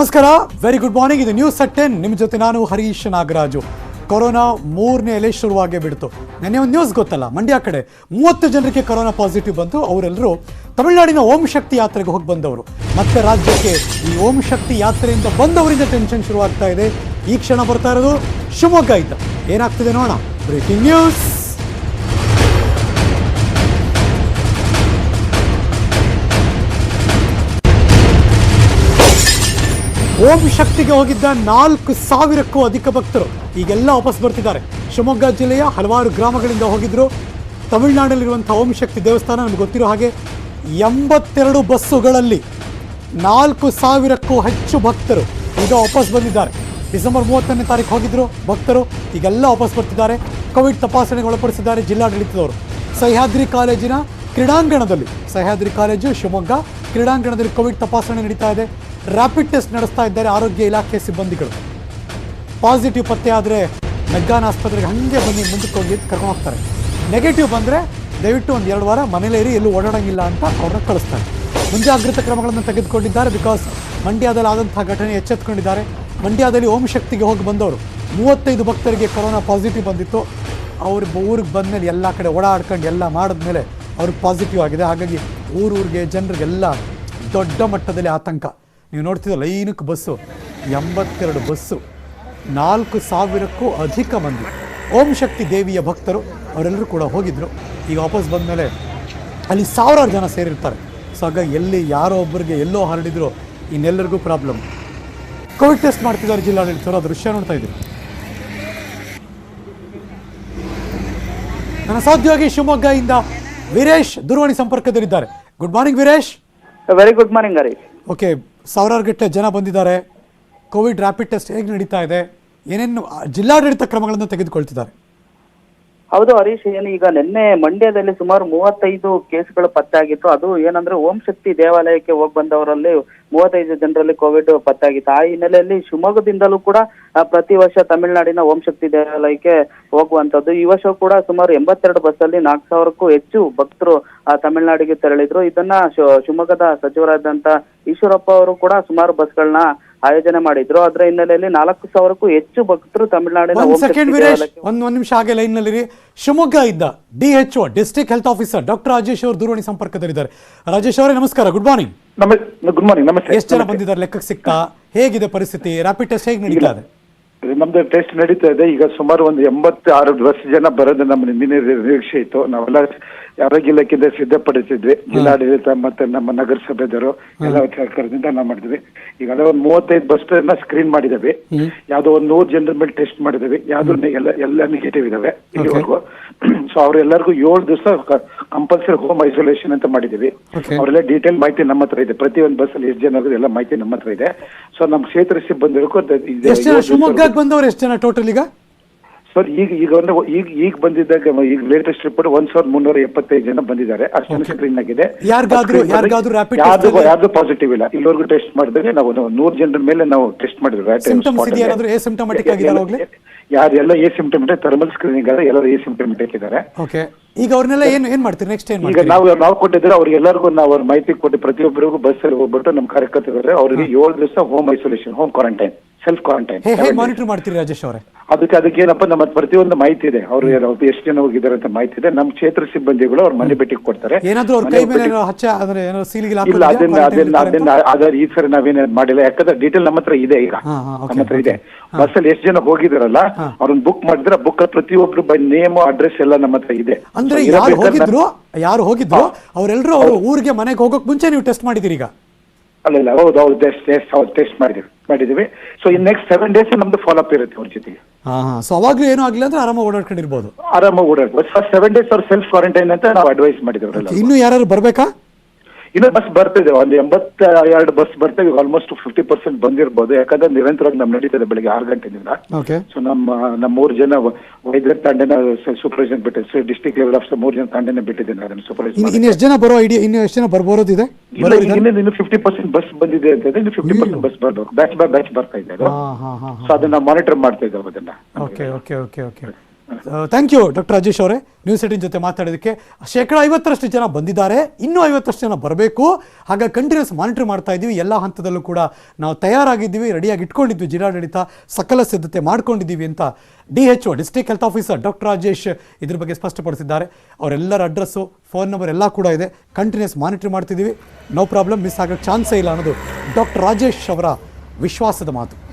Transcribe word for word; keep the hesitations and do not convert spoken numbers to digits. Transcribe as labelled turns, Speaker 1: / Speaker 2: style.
Speaker 1: ನಮಸ್ಕಾರ, very good morning. ಇದು news at ten. ನಿಮ್ಮ ಜೊತೆ ನಾನು ಹರೀಶ್ ನಾಗರಾಜು. ಕೊರೋನಾ ಮೂರನೇ ಅಲೆ ಶುರುವಾಗೇ ಬಿಡ್ತು. ನೆನ್ನೆ ಒಂದು ನ್ಯೂಸ್ ಗೊತ್ತಲ್ಲ, ಮಂಡ್ಯ ಕಡೆ ಮೂವತ್ತು ಜನರಿಗೆ ಕೊರೋನಾ ಪಾಸಿಟಿವ್ ಬಂತು. ಅವರೆಲ್ಲರೂ ತಮಿಳುನಾಡಿನ ಓಂ ಶಕ್ತಿ ಯಾತ್ರೆಗೆ ಹೋಗಿ ಬಂದವರು. ಮತ್ತೆ ರಾಜ್ಯಕ್ಕೆ ಈ ಓಂ ಶಕ್ತಿ ಯಾತ್ರೆಯಿಂದ ಬಂದವರಿಂದ ಟೆನ್ಷನ್ ಶುರುವಾಗ್ತಾ ಇದೆ. ಈ ಕ್ಷಣ ಬರ್ತಾ ಇರೋದು ಶಿವಮೊಗ್ಗ ಇದ್ದ. ಏನಾಗ್ತಿದೆ ನೋಡೋಣ. Breaking news. ಓಂ ಶಕ್ತಿಗೆ ಹೋಗಿದ್ದ ನಾಲ್ಕು ಸಾವಿರಕ್ಕೂ ಅಧಿಕ ಭಕ್ತರು ಈಗೆಲ್ಲ ವಾಪಸ್ ಬರ್ತಿದ್ದಾರೆ. ಶಿವಮೊಗ್ಗ ಜಿಲ್ಲೆಯ ಹಲವಾರು ಗ್ರಾಮಗಳಿಂದ ಹೋಗಿದ್ರು. ತಮಿಳುನಾಡಲ್ಲಿರುವಂಥ ಓಂ ಶಕ್ತಿ ದೇವಸ್ಥಾನ ನಮ್ಗೆ ಗೊತ್ತಿರೋ ಹಾಗೆ ಎಂಬತ್ತೆರಡು ಬಸ್ಸುಗಳಲ್ಲಿ ನಾಲ್ಕು ಸಾವಿರಕ್ಕೂ ಹೆಚ್ಚು ಭಕ್ತರು ಈಗ ವಾಪಸ್ ಬಂದಿದ್ದಾರೆ. ಡಿಸೆಂಬರ್ ಮೂವತ್ತನೇ ತಾರೀಕು ಹೋಗಿದ್ರು ಭಕ್ತರು, ಈಗೆಲ್ಲ ವಾಪಸ್ ಬರ್ತಿದ್ದಾರೆ. ಕೋವಿಡ್ ತಪಾಸಣೆಗೆ ಒಳಪಡಿಸಿದ್ದಾರೆ ಜಿಲ್ಲಾಡಳಿತದವರು. ಸಹ್ಯಾದ್ರಿ ಕಾಲೇಜಿನ ಕ್ರೀಡಾಂಗಣದಲ್ಲಿ, ಸಹ್ಯಾದ್ರಿ ಕಾಲೇಜು ಶಿವಮೊಗ್ಗ ಕ್ರೀಡಾಂಗಣದಲ್ಲಿ ಕೋವಿಡ್ ತಪಾಸಣೆ ನಡೀತಾ ಇದೆ. ರ್ಯಾಪಿಡ್ ಟೆಸ್ಟ್ ನಡೆಸ್ತಾ ಇದ್ದಾರೆ ಆರೋಗ್ಯ ಇಲಾಖೆ ಸಿಬ್ಬಂದಿಗಳು. ಪಾಸಿಟಿವ್ ಪತ್ತೆ ಆದರೆ ಮೆಗ್ಗಾನ್ ಆಸ್ಪತ್ರೆಗೆ ಹಾಗೆ ಬನ್ನಿ ಮುಂದಕ್ಕೆ ಹೋಗಿ ಕರ್ಕೊಂಡು ಹೋಗ್ತಾರೆ. ನೆಗೆಟಿವ್ ಬಂದರೆ ದಯವಿಟ್ಟು ಒಂದು ಎರಡು ವಾರ ಮನೇಲೇ ಇರಿ, ಎಲ್ಲೂ ಓಡಾಡೋಂಗಿಲ್ಲ ಅಂತ ಅವ್ರನ್ನ ಕಳಿಸ್ತಾರೆ. ಮುಂಜಾಗ್ರತಾ ಕ್ರಮಗಳನ್ನು ತೆಗೆದುಕೊಂಡಿದ್ದಾರೆ. ಬಿಕಾಸ್ ಮಂಡ್ಯದಲ್ಲಿ ಆದಂತಹ ಘಟನೆ ಎಚ್ಚೆತ್ಕೊಂಡಿದ್ದಾರೆ. ಮಂಡ್ಯದಲ್ಲಿ ಓಂ ಶಕ್ತಿಗೆ ಹೋಗಿ ಬಂದವರು ಮೂವತ್ತೈದು ಭಕ್ತರಿಗೆ ಕೊರೋನಾ ಪಾಸಿಟಿವ್ ಬಂದಿತ್ತು. ಅವ್ರ ಊರಿಗೆ ಬಂದಮೇಲೆ ಎಲ್ಲ ಕಡೆ ಓಡಾಡ್ಕೊಂಡು ಎಲ್ಲ ಮಾಡಿದ್ಮೇಲೆ ಅವ್ರಿಗೆ ಪಾಸಿಟಿವ್ ಆಗಿದೆ. ಹಾಗಾಗಿ ಊರೂರಿಗೆ ಜನರಿಗೆಲ್ಲ ದೊಡ್ಡ ಮಟ್ಟದಲ್ಲಿ ಆತಂಕ. ನೀವು ನೋಡ್ತಿದ್ದ ಲೈನಕ್ಕೆ ಬಸ್ಸು, ಎಂಬತ್ತೆರಡು ಬಸ್ಸು, ನಾಲ್ಕು ಸಾವಿರಕ್ಕೂ ಅಧಿಕ ಮಂದಿ ಓಂ ಶಕ್ತಿ ದೇವಿಯ ಭಕ್ತರು ಅವರೆಲ್ಲರೂ ಕೂಡ ಹೋಗಿದ್ದರು. ಈಗ ವಾಪಸ್ ಬಂದಮೇಲೆ ಅಲ್ಲಿ ಸಾವಿರಾರು ಜನ ಸೇರಿರ್ತಾರೆ. ಸೊ ಹಾಗಾಗಿ ಎಲ್ಲಿ ಯಾರೋ ಒಬ್ಬರಿಗೆ ಎಲ್ಲೋ ಹರಡಿದ್ರು ಇನ್ನೆಲ್ಲರಿಗೂ ಪ್ರಾಬ್ಲಮ್. ಕೋವಿಡ್ ಟೆಸ್ಟ್ ಮಾಡ್ತಿದ್ದಾರೆ ಜಿಲ್ಲಾಡಳಿತರು. ಆ ದೃಶ್ಯ ನೋಡ್ತಾ ಇದ್ದೀರಿ. ನನ್ನ ಸಹೋದ್ಯೋಗಿ ಶಿವಮೊಗ್ಗದಿಂದ ವೀರೇಶ್ ದೂರವಾಣಿ ಸಂಪರ್ಕದಲ್ಲಿದ್ದಾರೆ. Good morning Veeresh.
Speaker 2: Very good morning Harish.
Speaker 1: Okay, ಸಾವಿರಾರು ಗಟ್ಟಲೆ ಜನ ಬಂದಿದ್ದಾರೆ. ಕೋವಿಡ್ ರ್ಯಾಪಿಡ್ ಟೆಸ್ಟ್ ಹೇಗೆ ನಡೀತಾ ಇದೆ? ಏನೇನು ಜಿಲ್ಲಾಡಳಿತ ಕ್ರಮಗಳನ್ನು ತೆಗೆದುಕೊಳ್ತಿದ್ದಾರೆ?
Speaker 2: ಹೌದು ಹರೀಶ್, ಏನು ಈಗ ನಿನ್ನೆ ಮಂಡ್ಯದಲ್ಲಿ ಸುಮಾರು ಮೂವತ್ತೈದು ಕೇಸ್ಗಳು ಪತ್ತೆಯಾಗಿತ್ತು. ಅದು ಏನಂದ್ರೆ ಓಂ ಶಕ್ತಿ ದೇವಾಲಯಕ್ಕೆ ಹೋಗಿ ಬಂದವರಲ್ಲಿ ಮೂವತ್ತೈದು ಜನರಲ್ಲಿ ಕೋವಿಡ್ ಪತ್ತೆಯಾಗಿತ್ತು. ಆ ಹಿನ್ನೆಲೆಯಲ್ಲಿ ಶಿವಮೊಗ್ಗದಿಂದಲೂ ಕೂಡ ಪ್ರತಿ ವರ್ಷ ತಮಿಳುನಾಡಿನ ಓಂ ಶಕ್ತಿ ದೇವಾಲಯಕ್ಕೆ ಹೋಗುವಂತದ್ದು. ಈ ವರ್ಷ ಕೂಡ ಸುಮಾರು ಎಂಬತ್ತೆರಡು ಬಸ್ಸಲ್ಲಿ ನಾಲ್ಕು ಸಾವಿರಕ್ಕೂ ಹೆಚ್ಚು ಭಕ್ತರು ತಮಿಳುನಾಡಿಗೆ ತೆರಳಿದ್ರು. ಇದನ್ನ ಶಿವಮೊಗ್ಗದ ಸಚಿವರಾದಂತ ಈಶ್ವರಪ್ಪ ಅವರು ಕೂಡ ಸುಮಾರು ಬಸ್ಗಳನ್ನ ಆಯೋಜನೆ ಮಾಡಿದ್ರು. ಅದರ ಹಿನ್ನೆಲೆಯಲ್ಲಿ ನಾಲ್ಕು ಸಾವಿರಕ್ಕೂ ಹೆಚ್ಚು ಭಕ್ತರು ತಮಿಳುನಾಡಿನ
Speaker 1: ಒಂದ್ ಒಂದ್ ನಿಮಿಷ ಹಾಗೆ ಲೈನ್ ನಲ್ಲಿ. ಶಿವಮೊಗ್ಗ ಇದ್ದ D H O district health officer doctor Rajesh ಅವರು ದೂರವಾಣಿ ಸಂಪರ್ಕದಲ್ಲಿದ್ದಾರೆ. ರಾಜೇಶ್ ಅವರೇ ನಮಸ್ಕಾರ, ಗುಡ್ ಮಾರ್ನಿಂಗ್.
Speaker 3: ಗುಡ್ ಮಾರ್ನಿಂಗ್, ನಮಸ್ತೆ.
Speaker 1: ಎಷ್ಟು ಜನ ಬಂದಿದ್ದಾರೆ ಲೆಕ್ಕಕ್ಕೆ ಸಿಗ್ತಾ? ಹೇಗಿದೆ ಪರಿಸ್ಥಿತಿ? ರ್ಯಾಪಿಡ್ ಟೆಸ್ಟ್ ಹೇಗೆ ನಡೀತಾ ಇದೆ?
Speaker 3: ನಮ್ದು ಟೆಸ್ಟ್ ನಡೀತಾ ಇದೆ. ಈಗ ಸುಮಾರು ಒಂದು ಎಂಬತ್ತು ಆರು ವರ್ಷ ಜನ ಬರೋದು ನಮ್ಮ ಹಿಂದಿನ ನಿರೀಕ್ಷೆ ಇತ್ತು. ನಾವೆಲ್ಲ ಆರೋಗ್ಯ ಇಲಾಖೆಯಿಂದ ಸಿದ್ಧಪಡಿಸಿದ್ವಿ. ಜಿಲ್ಲಾಡಳಿತ ಮತ್ತೆ ನಮ್ಮ ನಗರಸಭೆದವರು ಎಲ್ಲ ಸರ್ಕಾರದಿಂದ ನಾವು ಮಾಡಿದ್ವಿ. ಈಗ ಅದೇ ಒಂದು ಮೂವತ್ತೈದು ಬಸ್ ಸ್ಕ್ರೀನ್ ಮಾಡಿದ್ದೇವೆ. ಯಾವ್ದೋ ಒಂದು ನೂರು ಜನರ ಮೇಲೆ ಟೆಸ್ಟ್ ಮಾಡಿದ್ದೇವೆ. ಯಾವ್ದು ಎಲ್ಲ ಎಲ್ಲ ನೆಗೆಟಿವ್ ಇದಾವೆ ಇಲ್ಲಿವರೆಗೂ. ಸೊ ಅವ್ರೆಲ್ಲರಿಗೂ ಏಳು ದಿವಸ ಕಂಪಲ್ಸರಿ ಹೋಮ್ ಐಸೋಲೇಷನ್ ಅಂತ ಮಾಡಿದೀವಿ. ಅವರೆಲ್ಲ ಡೀಟೇಲ್ ಮಾಹಿತಿ ನಮ್ಮ ಹತ್ರ ಇದೆ. ಪ್ರತಿ ಒಂದು ಬಸ್ ಅಲ್ಲಿ ಎಷ್ಟು ಜನ ಎಲ್ಲ ಮಾಹಿತಿ ನಮ್ಮ ಹತ್ರ ಇದೆ. ಸೊ ನಮ್ಮ ಕ್ಷೇತ್ರ ಸಿಬ್ಬಂದಿಗೂ
Speaker 1: ಶಿವಮೊಗ್ಗ ಬಂದವರು ಎಷ್ಟು ಜನ ಟೋಟಲ್ ಈಗ?
Speaker 3: ಸರ್ ಈಗ ಈಗ ಅಂದ್ರೆ ಈಗ ಈಗ ಬಂದಿದ್ದಾಗ ಈಗ ಲೇಟೆಸ್ಟ್ ರಿಪೋರ್ಟ್ ಒಂದ್ ಸಾವಿರದ ಮುನ್ನೂರ ಎಪ್ಪತ್ತೈದು ಜನ ಬಂದಿದ್ದಾರೆ. ಅಷ್ಟು ಸ್ಕ್ರೀನ್ ಆಗಿದೆ. ಯಾರ್ದು ಪಾಸಿಟಿವ್ ಇಲ್ಲ. ಇಲ್ಲಿವರೆಗೂ ಟೆಸ್ಟ್ ಮಾಡಿದ್ರೆ ನಾವು ನೂರು ಜನರ ಮೇಲೆ ನಾವು ಟೆಸ್ಟ್ ಮಾಡಿದ್ವಿ. ಯಾರೆಲ್ಲ ಎ ಸಿಂಪ್ಟಮೆಟಿಕ್ ಥರ್ಮಲ್ ಸ್ಕ್ರೀನಿಂಗ್ ಆದ್ರೆ ಎಲ್ಲರೂ ಎ ಸಿಂಪ್ಟಮೆಟಿಕ್ ಇದ್ದಾರೆ.
Speaker 1: ಈಗ ಅವ್ರನ್ನೆಲ್ಲ ಏನ್ ಏನ್ ಮಾಡ್ತೀರಿ ನೆಕ್ಸ್ಟ್? ಏನ್
Speaker 3: ಈಗ ನಾವು ನಾವು ಕೊಟ್ಟಿದ್ರೆ ಅವ್ರಿಗೆಲ್ಲರಿಗೂ ನಾವು ಅವ್ರ ಮಾಹಿತಿ ಕೊಟ್ಟು ಪ್ರತಿಯೊಬ್ಬರಿಗೂ ಬಸ್ ಅಲ್ಲಿ ಹೋಗ್ಬಿಟ್ಟು ನಮ್ಮ ಕಾರ್ಯಕರ್ತರು ಅವರಿಗೆ ಏಳು ದಿವಸ home isolation, home quarantine, self quarantine
Speaker 1: monitor ಮಾಡ್ತೀರಿ ರಾಜೇಶ್ ಅವರೇ?
Speaker 3: ಅದಕ್ಕೆ ಅದಕ್ಕೆ ಏನಪ್ಪ ನಮ್ಮ ಪ್ರತಿಯೊಂದು ಮಾಹಿತಿ ಇದೆ. ಅವ್ರು ಎಷ್ಟು ಜನ ಹೋಗಿದ್ದಾರೆ ಅಂತ ಮಾಹಿತಿ ಇದೆ. ನಮ್ಮ ಕ್ಷೇತ್ರ ಸಿಬ್ಬಂದಿಗಳು ಅವ್ರ ಮನೆ ಭೇಟಿ ಕೊಡ್ತಾರೆ. ಇಲ್ಲ ಅದನ್ನ ಅದನ್ನ ಅದನ್ನ ಅದ್ರ ಈ ಸರಿ ನಾವೇನ ಮಾಡಿಲ್ಲ. ಯಾಕಂದ್ರೆ ಡೀಟೇಲ್ ನಮ್ಮ ಹತ್ರ ಇದೆ. ಈಗ ನಮ್ಮ ಹತ್ರ ಇದೆ. ಬಸ್ ಅಲ್ಲಿ ಎಷ್ಟು ಜನ ಹೋಗಿದಾರಲ್ಲ ಅವ್ರನ್ನ ಬುಕ್ ಮಾಡಿದ್ರೆ ಬುಕ್ ಪ್ರತಿಯೊಬ್ರು ಬೈ ನೇಮ್ ಅಡ್ರೆಸ್ ಎಲ್ಲ ನಮ್ಮ ಹತ್ರ ಇದೆ.
Speaker 1: ಅಂದ್ರೆ ಯಾರು ಹೋಗಿದ್ರು ಯಾರು ಹೋಗಿದ್ರು ಅವರೆಲ್ಲರೂ ಅವ್ರ ಊರಿಗೆ ಮನೆಗೆ ಹೋಗೋಕ್ ಮುಂಚೆ ನೀವು ಟೆಸ್ಟ್ ಮಾಡಿದಿರಿ ಈಗ?
Speaker 3: ಅಲ್ಲ ಇಲ್ಲ, ಹೌದು ಹೌದು ಟೆಸ್ಟ್ ಟೆಸ್ಟ್ ಮಾಡಿದೀವಿ ಮಾಡಿದೀವಿ so in next seven days ನಮ್ದು ಫಾಲೋ ಅಪ್ ಇರುತ್ತೆ ಅವ್ರ ಜೊತೆಗೆ.
Speaker 1: ಸೊ ಅವಾಗ್ಲೂ ಏನೂ ಆಗಿಲ್ಲ ಅಂದ್ರೆ ಆರಾಮಾಗಿ ಓಡಾಡ್ಕೊಂಡಿರ್ಬೋದು.
Speaker 3: ಆರಾಮಾಗಿ ಓಡಾಡ್ಬೋದು. ಫಸ್ಟ್ ಸೆವೆನ್ ಡೇಸ್ ಅವ್ರ ಸೆಲ್ಫ್ ಕ್ವಾರಂಟೈನ್ ಅಂತ ನಾವು ಅಡ್ವೈಸ್ ಮಾಡಿದ್ದೇವೆ.
Speaker 1: ಇನ್ನು ಯಾರು ಬರ್ಬೇಕಾ?
Speaker 3: ಇನ್ನು ಬಸ್ ಬರ್ತಿದೆ. ಒಂದು ಎಂಬತ್ತ ಎರಡು ಬಸ್ ಬರ್ತೇವೆ. ಆಲ್ಮೋಸ್ಟ್ ಫಿಫ್ಟಿ ಪರ್ಸೆಂಟ್ ಬಂದಿರ್ಬೋದು. ಯಾಕಂದ್ರೆ ನಿರಂತರವಾಗಿ ನಮ್ ನಡೀತದೆ ಬೆಳಿಗ್ಗೆ ಆರು ಗಂಟೆಯಿಂದ. ಸೊ ನಮ್ಮ ನಮ್ಮ ಮೂರು ಜನ ವೈದ್ಯರ ತಂಡನ ಸೂಪರ್ವೈಸರ್ ಬಿಟ್ಟಿದೆ. ಡಿಸ್ಟ್ರಿಕ್ಟ್ ಲೆವೆಲ್ ಆಫ್ ಮೂರು ಜನ ತಂಡನ ಬಿಟ್ಟಿದ್ದೇನೆ ಸೂಪರ್ವೈಸರ್.
Speaker 1: ಇನ್ನು ಎಷ್ಟು ಜನ ಬರೋ ಐಡಿಯಾ? ಇನ್ನು ಎಷ್ಟು ಜನ ಬರ್ಬೋದಿದೆ?
Speaker 3: ಇನ್ನು ಫಿಫ್ಟಿ ಪರ್ಸೆಂಟ್ ಬಸ್ ಬಂದಿದೆ ಅಂತ ಇನ್ನು ಫಿಫ್ಟಿ ಪರ್ಸೆಂಟ್ ಬಸ್ ಬರ್ಬೇಕು. ಬ್ಯಾಚ್ ಬೈ ಬ್ಯಾಚ್ ಬರ್ತಾ ಇದೆ. ಸೊ ಅದನ್ನ ಮಾನಿಟರ್ ಮಾಡ್ತಾ ಇದ್ದಾವೆ ಅದನ್ನ.
Speaker 1: Okay okay okay okay thank you doctor Rajesh ಅವರೇ, ನ್ಯೂಸ್ ಏಟೀನ್ ಜೊತೆ ಮಾತಾಡೋದಕ್ಕೆ. ಶೇಕಡ ಐವತ್ತರಷ್ಟು ಜನ ಬಂದಿದ್ದಾರೆ, ಇನ್ನೂ ಐವತ್ತರಷ್ಟು ಜನ ಬರಬೇಕು. ಹಾಗಾಗಿ ಕಂಟಿನ್ಯೂಸ್ ಮಾನಿಟರ್ ಮಾಡ್ತಾ ಇದ್ದೀವಿ. ಎಲ್ಲ ಹಂತದಲ್ಲೂ ಕೂಡ ನಾವು ತಯಾರಾಗಿದ್ದೀವಿ, ರೆಡಿಯಾಗಿ ಇಟ್ಕೊಂಡಿದ್ವಿ. ಜಿಲ್ಲಾಡಳಿತ ಸಕಲ ಸಿದ್ಧತೆ ಮಾಡ್ಕೊಂಡಿದ್ದೀವಿ ಅಂತ D H O district health officer doctor Rajesh ಇದ್ರ ಬಗ್ಗೆ ಸ್ಪಷ್ಟಪಡಿಸಿದ್ದಾರೆ. ಅವರೆಲ್ಲರ ಅಡ್ರೆಸ್ಸು, ಫೋನ್ ನಂಬರ್ ಎಲ್ಲ ಕೂಡ ಇದೆ. ಕಂಟಿನ್ಯೂಸ್ ಮಾನಿಟರ್ ಮಾಡ್ತಿದ್ದೀವಿ. ನೋ ಪ್ರಾಬ್ಲಮ್, ಮಿಸ್ ಆಗೋಕ್ಕೆ ಚಾನ್ಸೇ ಇಲ್ಲ ಅನ್ನೋದು ಡಾಕ್ಟರ್ ರಾಜೇಶ್ ಅವರ ವಿಶ್ವಾಸದ ಮಾತು.